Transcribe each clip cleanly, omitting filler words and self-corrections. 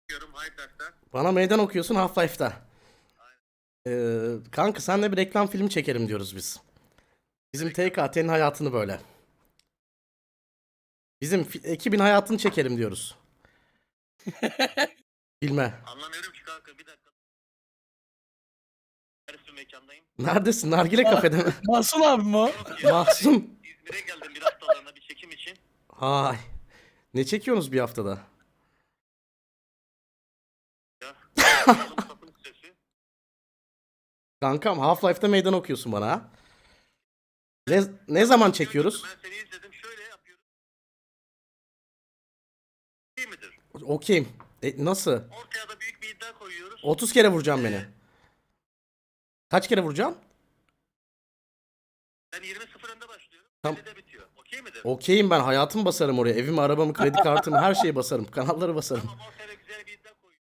okuyorum Half-Life'da. Bana meydan okuyorsun Half-Life'da. Kanka senle bir reklam filmi çekelim diyoruz biz. Bizim TKT'nin hayatını böyle. Bizim ekibin hayatını çekelim diyoruz. Bilme. Anlamıyorum ki kanka, bir dakika. Neresi mekandayım? Neredesin? Nargile kafede mi? Mahsun abi mi o? Yok ya, Mahsun. İzmir'e geldim bir haftalığına bir çekim için. Ay. Ne çekiyorsunuz bir haftada? Ya. Oğlum sapın sesi. Kankam Half-Life'da meydan okuyorsun bana ha. Ne zaman çekiyoruz? Ben seni izledim, şöyle yapıyorum. İyi midir? Okeyim. Nasıl? Ortaya da büyük bir iddia koyuyoruz. 30 kere vuracağım beni. Kaç kere vuracağım? Ben 20-0 önde başlıyorum. Tamam. 50'de bitiyor. Okey midir? Okeyim, ben hayatımı basarım oraya. Evimi, arabamı, kredi kartımı, her şeyi basarım. Kanalları basarım. Tamam, ortaya da güzel bir iddia koyuyoruz.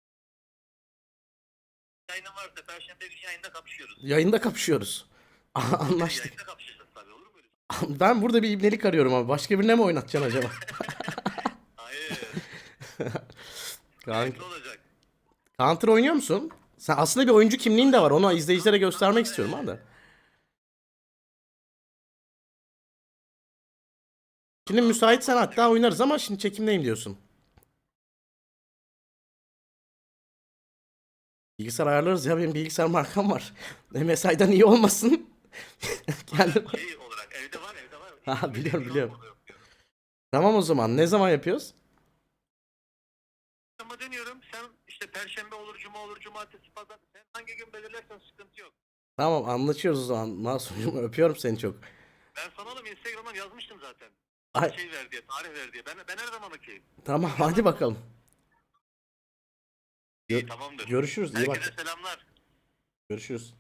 Yayının varsa Perşembe günü yayında kapışıyoruz. Yayında kapışıyoruz. Anlaştık. Yayında kapışacağız tabii, olur mu öyle? Ben burada bir ibnelik arıyorum abi. Başka birine mi oynatacaksın acaba? Hayır. Kanka. Ne olacak? Counter oynuyor musun? Sen aslında bir oyuncu kimliğin de var. Onu izleyicilere göstermek istiyorum abi. Şimdi müsaitsen hatta oynarız ama şimdi çekimdeyim diyorsun. Bilgisayar ayarlarız ya, benim bilgisayar markam var. MSI'dan iyi olmasın. Kendim. Şey olarak evde var. Ha, biliyorum, biliyorum. Orada yok diyorum. Tamam, o zaman ne zaman yapıyoruz? Ama deniyorum, sen işte Perşembe olur, Cuma olur, Cumartesi, Pazar. Sen hangi gün belirlersen sıkıntı yok. Tamam, anlaşıyoruz o zaman. Masumcuğum, öpüyorum seni çok. Ben sana oğlum Instagram'dan yazmıştım zaten. Ay, Şey ver diye, tarih ver diye. Ben her zaman okeyim. tamam, hadi bakalım. İyi, tamamdır. Görüşürüz, iyi bak. Herkese selamlar. Görüşürüz.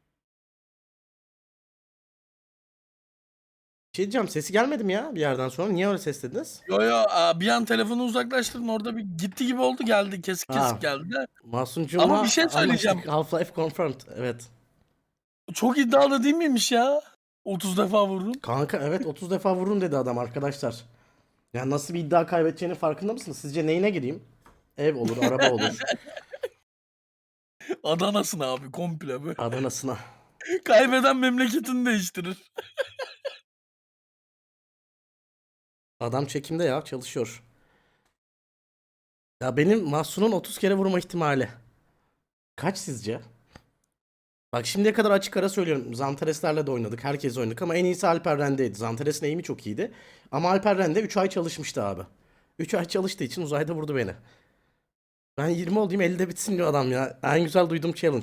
Bir şey diyeceğim, sesi gelmedi mi ya bir yerden sonra? Niye öyle ses dediniz? Yo bir an telefonu uzaklaştırdın, orada bir gitti gibi oldu, geldi kesik Ha. kesik geldi. Masumcuğumla Ama bir şey söyleyeceğim. anlaştık. Half-Life confirmed. Evet. Çok iddialı değil miymiş ya? 30 defa vurdun. Kanka evet, 30 defa vurun dedi adam arkadaşlar. Ya nasıl bir iddia kaybedeceğinin farkında mısınız? Sizce neyine gireyim? Ev olur, araba olur. Adana'sın abi komple böyle. Adana'sına. Kaybeden memleketini değiştirir. Adam çekimde ya, çalışıyor. Ya benim Mahsun'un 30 kere vurma ihtimali kaç sizce? Bak şimdiye kadar açık ara söylüyorum. Zantares'lerle de oynadık. Herkes oynadık ama en iyisi Alper Rende'ydi. Zantares'in aim'i çok iyiydi. Ama Alper Rende 3 ay çalışmıştı abi. 3 ay çalıştığı için uzayda vurdu beni. Ben 20 olayım 50'de bitsin diyor adam ya. En güzel duyduğum challenge.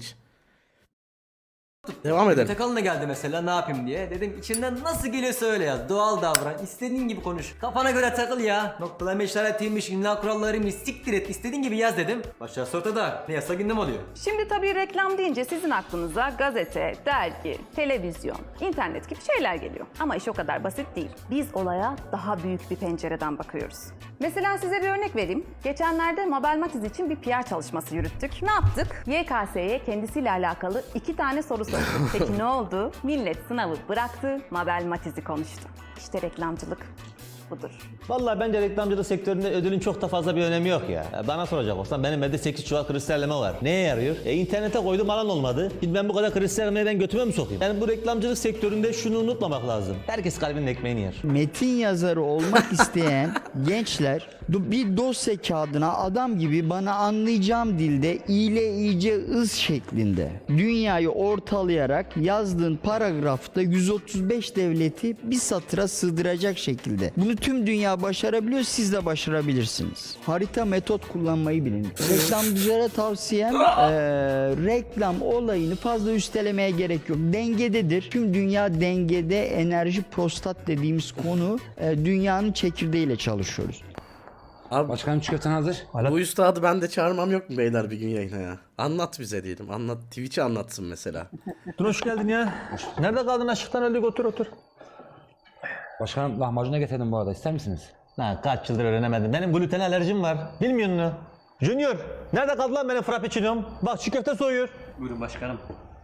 Devam edelim. Takalına geldi mesela, ne yapayım diye. Dedim içinden nasıl geliyorsa öyle yaz. Doğal davran. İstediğin gibi konuş. Kafana göre takıl ya. Noktalama işaretiymiş, imla kurallarıymış, siktir et. İstediğin gibi yaz dedim. Başarısı ortada. Ne yasa gündem oluyor. Şimdi tabii reklam deyince sizin aklınıza gazete, dergi, televizyon, internet gibi şeyler geliyor. Ama iş o kadar basit değil. Biz olaya daha büyük bir pencereden bakıyoruz. Mesela size bir örnek vereyim. Geçenlerde Mabel Matiz için bir PR çalışması yürüttük. Ne yaptık? YKS'ye kendisiyle alakalı 2 tane soru sorduk. Peki ne oldu? Millet sınavı bıraktı, Mabel Matiz'i konuştu. İşte reklamcılık budur. Vallahi bence reklamcılık sektöründe ödülün çok da fazla bir önemi yok ya. Bana soracak olsan benim evde 8 çuval kristalleme var. Neye yarıyor? İnternete koydum, alan olmadı. Şimdi ben bu kadar kristallemeyi ben götüme mi sokayım? Yani bu reklamcılık sektöründe şunu unutmamak lazım. Herkes kalbinin ekmeğini yer. Metin yazarı olmak isteyen gençler bir dosya kağıdına adam gibi bana anlayacağım dilde iyile iyice ız şeklinde dünyayı ortalayarak yazdığın paragrafta 135 devleti bir satıra sığdıracak şekilde. Bunu tüm dünya başarabiliyor, siz de başarabilirsiniz. Harita metot kullanmayı bilin. Reklamcılara tavsiyem reklam olayını fazla üstelemeye gerek yok. Dengededir. Tüm dünya dengede, enerji prostat dediğimiz konu dünyanın çekirdeğiyle çalışıyoruz. Abi Başkanım çiğ köften hazır. bu üstadı ben de çağırmam yok mu beyler bir gün yayına ya? Anlat bize diyelim. Anlat. Twitch'i anlatsın mesela. Dur, hoş geldin ya. Nerede kaldın, aşıktan öldük, otur. Başkanım lahmacuna getirdim bu arada, ister misiniz? Lan kaç yıldır öğrenemedim. Benim gluten alerjim var. Bilmiyor musun? Junior, nerede kaldı lan benim frappuccino'm? Bak çiğ köfte soğuyor. Buyurun başkanım.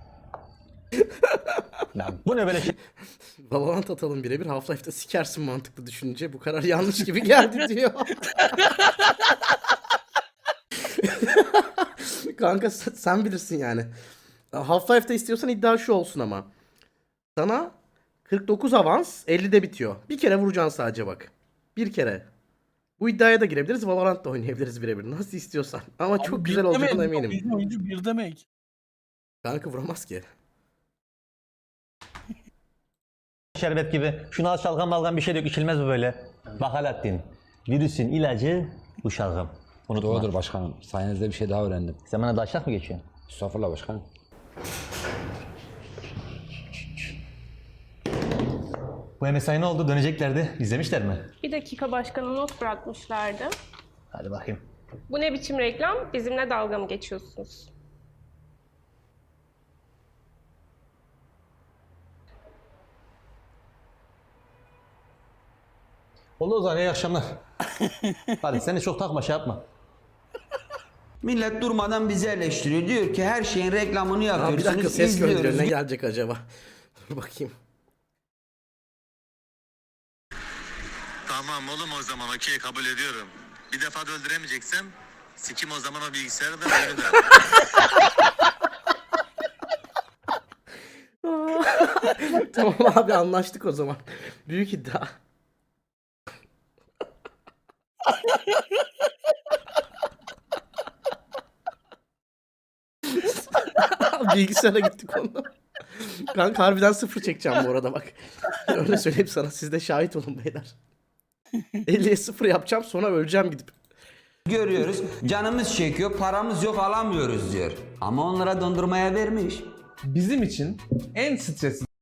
Lan bu ne böyle şey? Valorant atalım birebir. Half-Life'da sikersin mantıklı düşününce. Bu kadar yanlış gibi geldi diyor. Kanka sen bilirsin yani. Half-Life'da istiyorsan iddia şu olsun ama. Sana 49 avans 50'de bitiyor. Bir kere vuracaksın sadece bak. Bir kere. Bu iddiaya da girebiliriz. Valorant'ta oynayabiliriz birebir. Nasıl istiyorsan. Ama çok Abi güzel bir olacağına demek, eminim. bizim oyuncu bir demek. Kanka vuramaz ki. Şerbet gibi. Şunu al şalgam balgam bir şey dök içilmez bu böyle. Bak Alaaddin. Virüsün ilacı bu şalgam. Unutma. Doğrudur başkanım. Sayenizde bir şey daha öğrendim. Sen bana daşlak mı geçiyorsun? Estağfurullah başkanım. Bu MSI ne oldu? Döneceklerdi. İzlemişler mi? Bir dakika başkana not bırakmışlardı. Hadi bakayım. Bu ne biçim reklam? Bizimle dalga mı geçiyorsunuz? Oldu o zaman iyi akşamlar. Hadi sen de çok takma şey yapma. Millet durmadan bizi eleştiriyor. Diyor ki her şeyin reklamını Aa, bir yapıyorsunuz. dakika ses izliyoruz. gönderiyor. Ne gelecek acaba? Dur bakayım. Tamam oğlum o zaman okey kabul ediyorum. Bir defa da öldüremeyeceksem sikim o zaman o bilgisayarı da ayrı da. Tamam abi anlaştık o zaman. Büyük iddia. Bilgisayara gittik onu. Kanka harbiden 0 çekeceğim bu arada bak. Öyle söyleyeyim sana, siz de şahit olun beyler. 50'ye 0 yapacağım, sonra öleceğim gidip. Görüyoruz. Canımız çekiyor. Paramız yok alamıyoruz diyor. Ama onlara dondurmaya vermiş. Bizim için en stresli